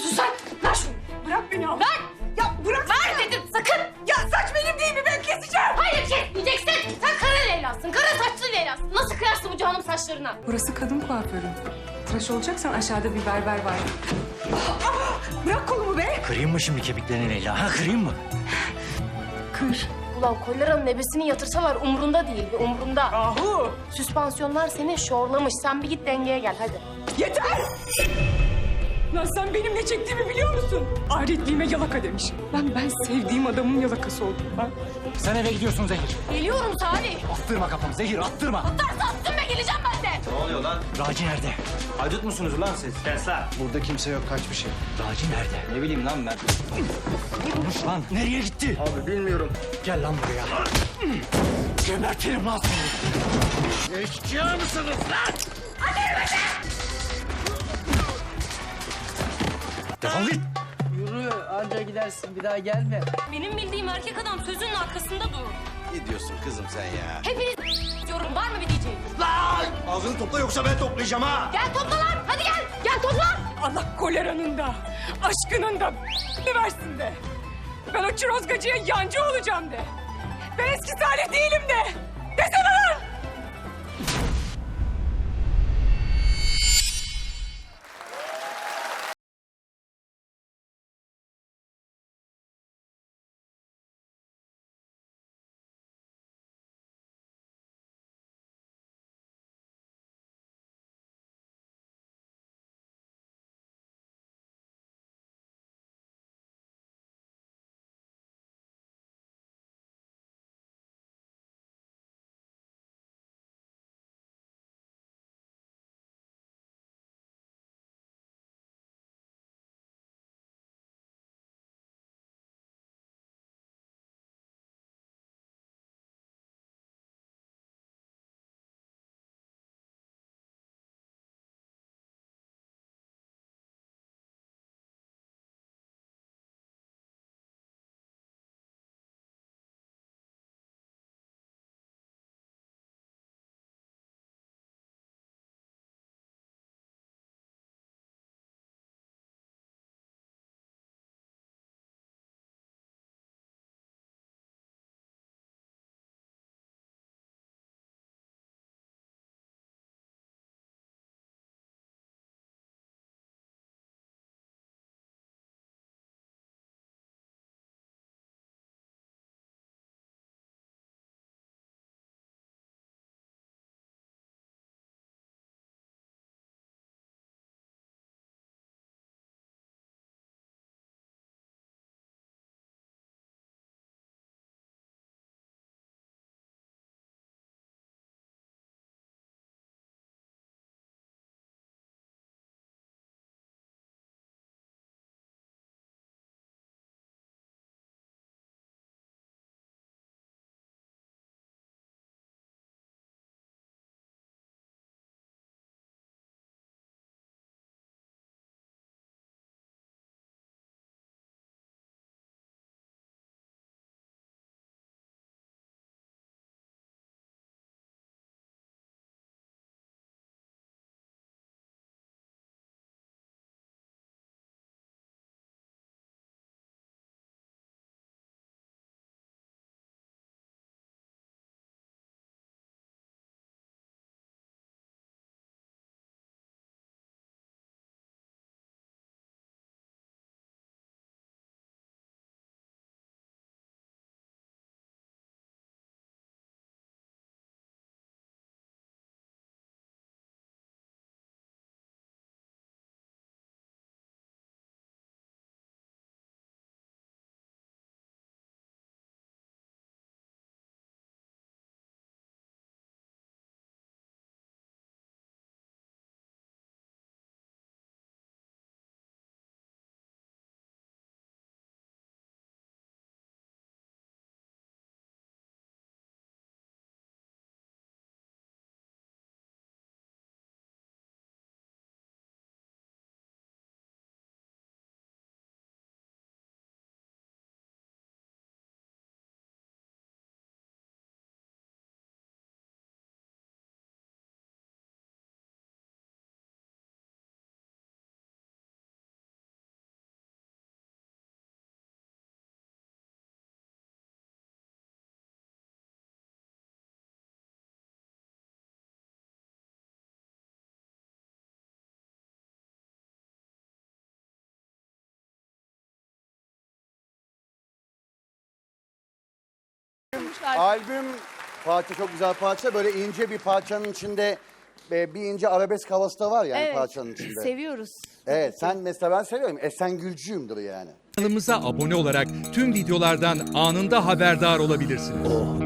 yapıyorsun sen? Ver şunu. Bırak beni abla. Ver. Ya bırak. Ver dedim sakın. Ya saç benim değil mi? Ben keseceğim. Hayır kesmeyeceksin. Sen kara Leyla'sın. Kara saçlı Leyla'sın. Nasıl kıyarsın bu canım saçlarına? Burası kadın kuaförü. Tıraş olacaksan aşağıda bir berber var. Bırak kolumu be. Kırayım mı şimdi kemiklerini Leyla? Ha kırayım mı? Kır. Ulan koleranın ebesini yatırsalar umrunda değil. Umrunda. Ahu. Süspansiyonlar seni şorlamış. Sen bir git dengeye gel hadi. Yeter. Lan sen benim ne çektiğimi biliyor musun? Ahretliğime yalaka demiş. Lan ben sevdiğim adamın yalakası oldum ben. Sen eve gidiyorsun Zehir. Geliyorum Salih. Attırma kafamı Zehir, attırma. Atarsa attın be geleceğim ben de. Ne oluyor lan? Raci nerede? Haydut musunuz lan siz? Kes lan. Burada kimse yok, kaçmış ya. Raci nerede? Ne bileyim lan ben. Konuş lan. Nereye gitti? Abi bilmiyorum. Gel lan buraya. Gebertirim lan seni. Eşkıya mısınız lan? Defol git. Yürü anca gidersin bir daha gelme. Benim bildiğim erkek adam sözünün arkasında durur. Ne diyorsun kızım sen ya? Hepiniz diyorum. Var mı bir diyeceğim? Lan! Ağzını topla yoksa ben toplayacağım ha. Gel topla lan. Hadi gel. Gel topla. Allah koleranın da, aşkının da versin de. Ben o çirozgacıya yancı olacağım de. Ben eski Salih değilim de. Desene lan! Albüm parça çok güzel parça. Böyle ince bir parçanın içinde bir ince arabesk havası da var yani parçanın içinde. Seviyoruz. Evet sen mesela ben seviyorum. Esengülcüyümdür yani. Kanalımıza abone olarak tüm videolardan anında haberdar olabilirsiniz.